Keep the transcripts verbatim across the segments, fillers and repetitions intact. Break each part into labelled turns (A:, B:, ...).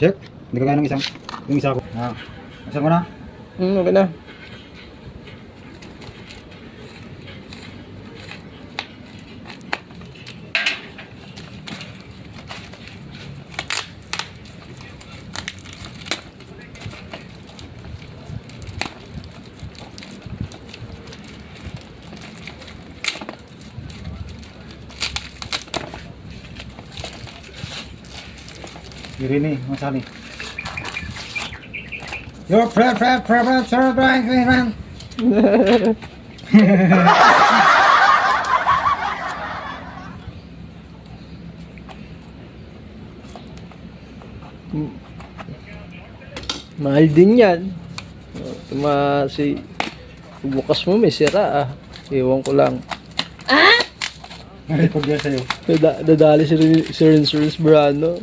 A: Check. Hindi ka kaya ng isang, yung isa ko. Ah. Isa mo na.
B: Hmm, okay na.
A: Irini, masali. Your friend, friend, friend, friend, friend, friend, friend, friend.
B: Mahal din yan. Ma si bukas mo may sira ah. Ewan ko lang.
A: Record yan sa'yo.
B: Dada, dadali si, Rin- si Rinsurance Brano.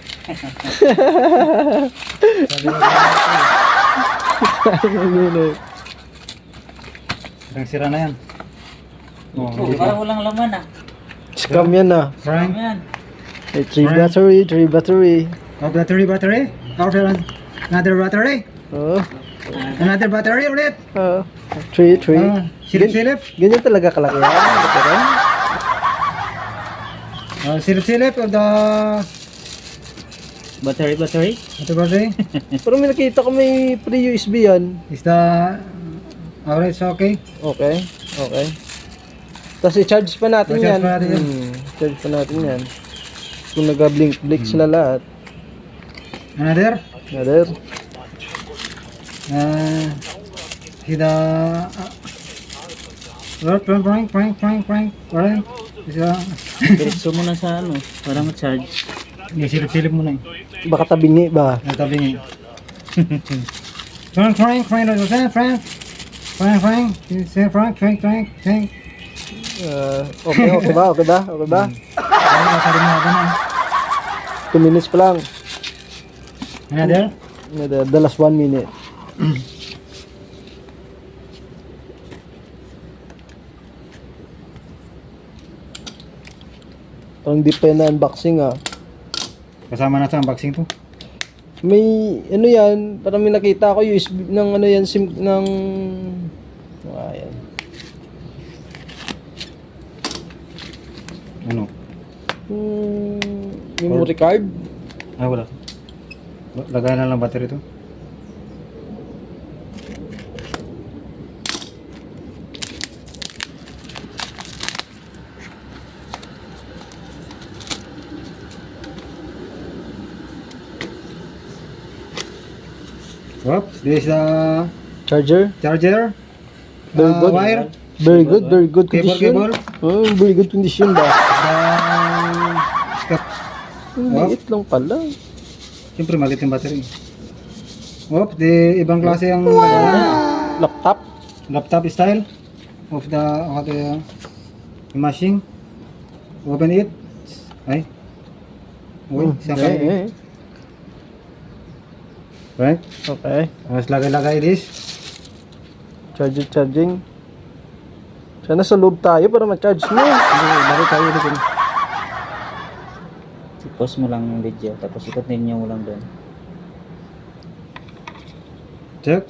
A: Ang sira na yan. Oh,
C: Oh, parang walang laman ah.
B: Scam yan ah.
A: Frank.
C: Yan.
B: May three
A: Right.
B: battery, three battery.
A: Oh, battery, battery. After another battery.
B: Oh,
A: Another battery ulit.
B: oh. Three, three.
A: Oh, silip-silip.
B: Ganyan talaga kalaki yan. Veteran.
A: Oh, silip-silip of the
C: Battery, battery.
A: ito battery.
B: Pero may nakita ko may pre-U S B yan.
A: Is the average okay?
B: Okay, okay. Tapos i-charge pa natin
A: I-charge
B: yan.
A: pa natin yan.
B: Hmm, charge pa natin yan. Kung nag-blink-blink sila lahat.
A: Another?
B: Another.
A: Uh, see the uh, well, prank, prank, prank, prank, prank, prank. Is the
C: Diretso mo na sa ano, para ma-charge.
A: Hindi, silip-silip mo na eh.
B: Baka tabingi ba?
A: Nagtabi niya. Frank, Frank, Frank, Frank, Frank, Frank, Frank, say Frank, Frank, Frank, Frank.
B: Uh, okay, okay ba? Okay ba? Okay ba?
A: Ay, masabi mo ako na.
B: Two minutes pa lang.
A: Another?
B: Another, the last one minute. Parang di pa na unboxing ah.
A: Kasama na sa unboxing to.
B: May ano yan, parang may nakita ko U S B ng ano yan, sim ng ah, yan.
A: Ano?
B: Hmm, memory card.
A: Ah, wala. Lagay na lang battery to. Oops, this is the
B: Charger.
A: charger.
B: Very
A: Uh,
B: good.
A: wire.
B: Very good, very good
A: Cable,
B: condition.
A: cable.
B: Oh, very good condition ba?
A: The step.
B: Ang
A: Wow.
B: liit lang pala.
A: Siyempre, maliit yung battery. Oops, the ibang klase ang wow.
B: Laptop.
A: Laptop style of the of the machine. Open it. Ay. Uy,
B: Hmm,
A: siya
B: eh,
A: kayo.
B: eh.
A: Right?
B: Okay.
A: Tapos lagay-lagay this.
B: Charger charging. Sana sa loob tayo para ma-charge mo.
A: Hindi, lagay tayo ulit yun.
C: I-pause mo lang yung video, tapos i-continue mo lang doon.
A: Check.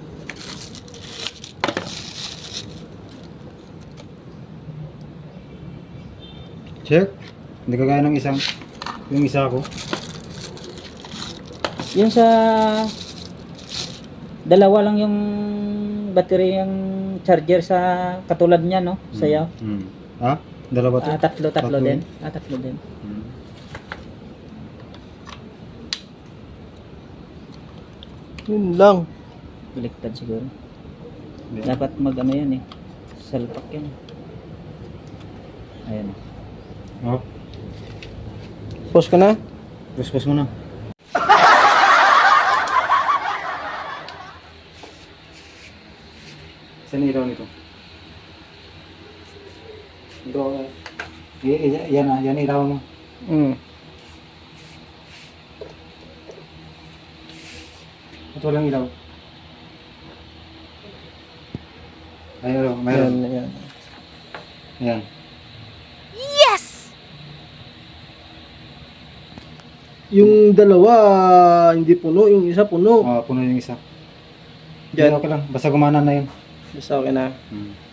A: Check. Hindi ka gaya ng isang, yung isa ko.
C: Yung sa dalawa lang yung battery yung charger sa katulad niya, no? Sayaw.
A: Hmm. Ha? Dalawa to?
C: Ah, tatlo, tatlo
A: Tatlo.
C: din. Ah, tatlo din.
A: Hmm.
B: Yun lang.
C: Baliktad siguro.
A: Hindi.
C: Dapat mag ano yan eh. Salpak yan. Ayan.
A: Oh,
B: Pause ka na.
A: push-push mo na. Saan ilaw nito? Ito, y- y- yan na, yan ilaw mo.
B: Mm.
A: Ito lang ilaw. Ayun,
B: Ayan,
A: mayroon.
B: ayan.
A: Yan.
B: yung dalawa hindi puno, yung isa puno.
A: Oh, puno yung isa.
B: Diyan.
A: Okay lang. Basta gumana na yun.
B: Basta okay na.
A: Hmm.